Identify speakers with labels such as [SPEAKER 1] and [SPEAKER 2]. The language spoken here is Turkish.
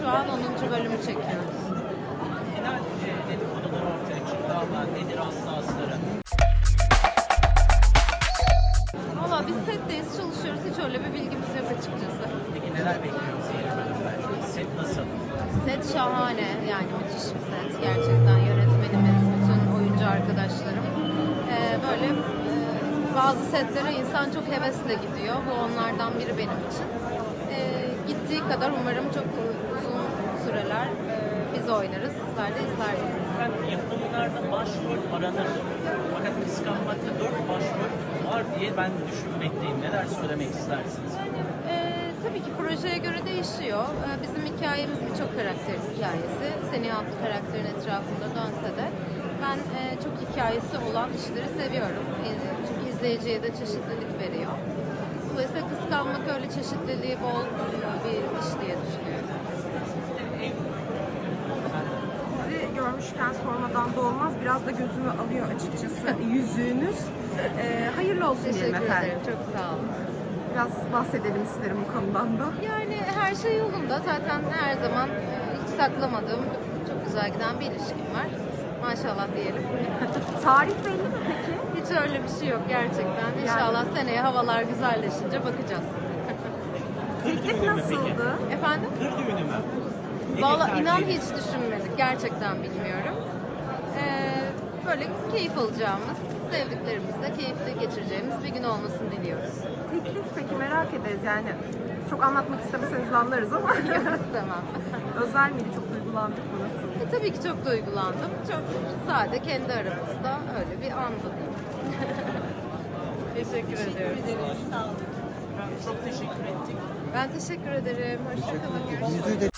[SPEAKER 1] Şu an 10. bölümü çekiyoruz.
[SPEAKER 2] Final dedikodular ortaya çıktı ama nedir aslı?
[SPEAKER 1] Valla biz setteyiz, çalışıyoruz. Hiç öyle bir bilgimiz yok açıkçası.
[SPEAKER 2] Peki neler bekliyoruz yeni bölümden? Set nasıl?
[SPEAKER 1] Set şahane. Yani müthiş bir set. Gerçekten yönetmenimiz, bütün oyuncu arkadaşlarım. Böyle bazı setlere insan çok hevesle gidiyor. Bu onlardan biri benim için. Gittiği kadar umarım çok uzun süreler biz oynarız. Sizler de izlersiniz.
[SPEAKER 2] Efendim yapımlarda başrol aranır. Fakat kıskanmakta 4 başrol var diye ben düşünmekteyim. Neler söylemek istersiniz?
[SPEAKER 1] Tabii ki projeye göre değişiyor. Bizim hikayemiz birçok karakterin hikayesi. Seni adlı karakterin etrafında dönse de ben çok hikayesi olan işleri seviyorum. Çünkü izleyiciye de çeşitlilik veriyor. Dolayısıyla kıskanmak öyle çeşitliliği bol bir iş diye düşünüyorum.
[SPEAKER 3] Sizi görmüşken sormadan da olmaz. Biraz da gözümü alıyor açıkçası yüzüğünüz. Hayırlı olsun diyelim
[SPEAKER 1] Teşekkür
[SPEAKER 3] efendim.
[SPEAKER 1] ederim. Çok sağ olun.
[SPEAKER 3] Biraz bahsedelim isterim bu konudan da.
[SPEAKER 1] Yani her şey yolunda. Zaten her zaman hiç saklamadığım, çok güzel giden bir ilişkim var. Maşallah diyelim.
[SPEAKER 3] Tarih belli mi peki?
[SPEAKER 1] Hiç öyle bir şey yok gerçekten. İnşallah seneye havalar güzelleşince bakacağız.
[SPEAKER 3] Teklif nasıldı?
[SPEAKER 1] Efendim?
[SPEAKER 2] Kır düğünü mü?
[SPEAKER 1] Valla inan hiç düşünmedik. Gerçekten bilmiyorum. Böyle keyif alacağımız, sevdiklerimizle keyifli geçireceğimiz bir gün olmasını diliyoruz.
[SPEAKER 3] Teklif peki merak ederiz yani. Çok anlatmak istemeseniz anlarız ama.
[SPEAKER 1] Tamam.
[SPEAKER 3] Özel miydi? Çok duygulandık mı? Nasıl?
[SPEAKER 1] Tabii ki çok duygulandım. Çok sade kendi aramızda öyle bir andı. Teşekkür ediyorum.
[SPEAKER 2] Efendim çok teşekkür ettik.
[SPEAKER 1] Ben teşekkür ederim. Hoşçakalın. Görüşürüz.